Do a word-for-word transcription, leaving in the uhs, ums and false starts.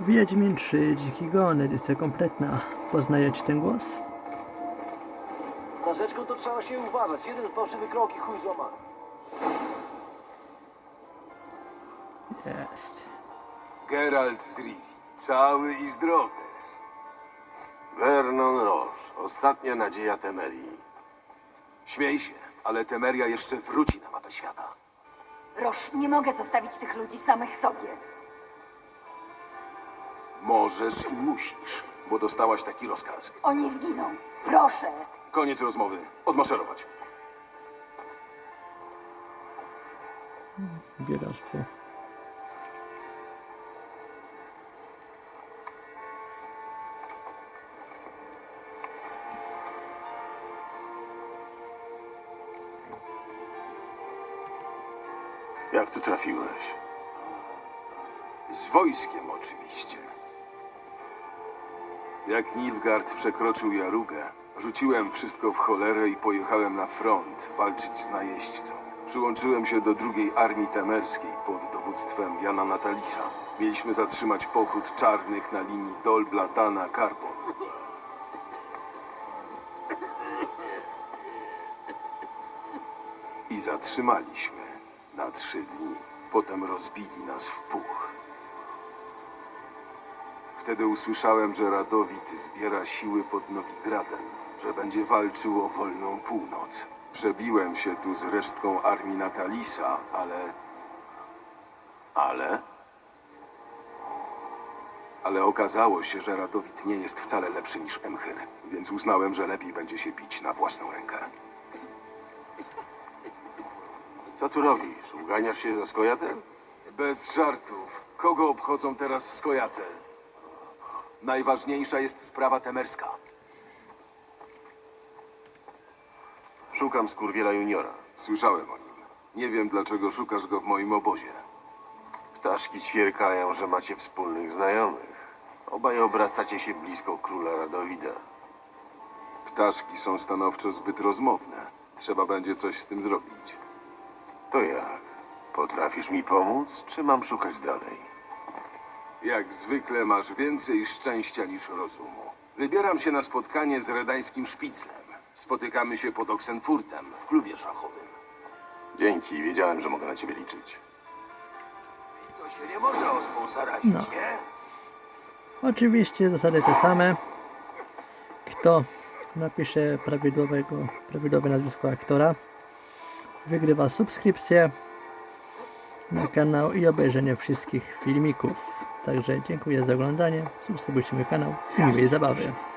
Wiedźmin trzy, Dziki Gon, edycja kompletna. Poznajecie ten głos? Z narzeczką to trzeba się uważać. Jeden fałszywy krok i chuj złamany. Jest. Geralt z Rivi, cały i zdrowy. Vernon Roche, ostatnia nadzieja Temerii. Śmiej się, ale Temeria jeszcze wróci na mapę świata. Roż, nie mogę zostawić tych ludzi samych sobie. Możesz i musisz, bo dostałaś taki rozkaz. Oni zginą. Proszę. Koniec rozmowy. Odmaszerować. Bieractwo. Jak tu trafiłeś? Z wojskiem oczywiście. Jak Nilfgaard przekroczył Jarugę, rzuciłem wszystko w cholerę i pojechałem na front walczyć z najeźdźcą. Przyłączyłem się do drugiej armii temerskiej pod dowództwem Jana Natalisa. Mieliśmy zatrzymać pochód czarnych na linii Dol-Blatana-Karbon. I zatrzymaliśmy na trzy dni. Potem rozbili nas w puch. Wtedy usłyszałem, że Radowid zbiera siły pod Nowigradem, że będzie walczył o wolną północ. Przebiłem się tu z resztką armii Natalisa, ale... Ale? Ale okazało się, że Radowid nie jest wcale lepszy niż Emhyr, więc uznałem, że lepiej będzie się bić na własną rękę. Co tu robisz? Uganiasz się za Skojatel? Bez żartów. Kogo obchodzą teraz Skojatel? Najważniejsza jest sprawa temerska. Szukam Skurwiela Juniora. Słyszałem o nim. Nie wiem, dlaczego szukasz go w moim obozie. Ptaszki ćwierkają, że macie wspólnych znajomych. Obaj obracacie się blisko króla Radowida. Ptaszki są stanowczo zbyt rozmowne. Trzeba będzie coś z tym zrobić. To jak? Potrafisz mi pomóc, czy mam szukać dalej? Jak zwykle masz więcej szczęścia niż rozumu. Wybieram się na spotkanie z redańskim szpiclem. Spotykamy się pod Oxenfurtem w klubie szachowym. Dzięki, wiedziałem, że mogę na ciebie liczyć. To się nie może ospą zarazić, No. nie? Oczywiście zasady te same. Kto napisze prawidłowego, prawidłowe nazwisko aktora, wygrywa subskrypcję na kanał i obejrzenie wszystkich filmików. Także dziękuję za oglądanie, subskrybujcie mój kanał i miłej zabawy.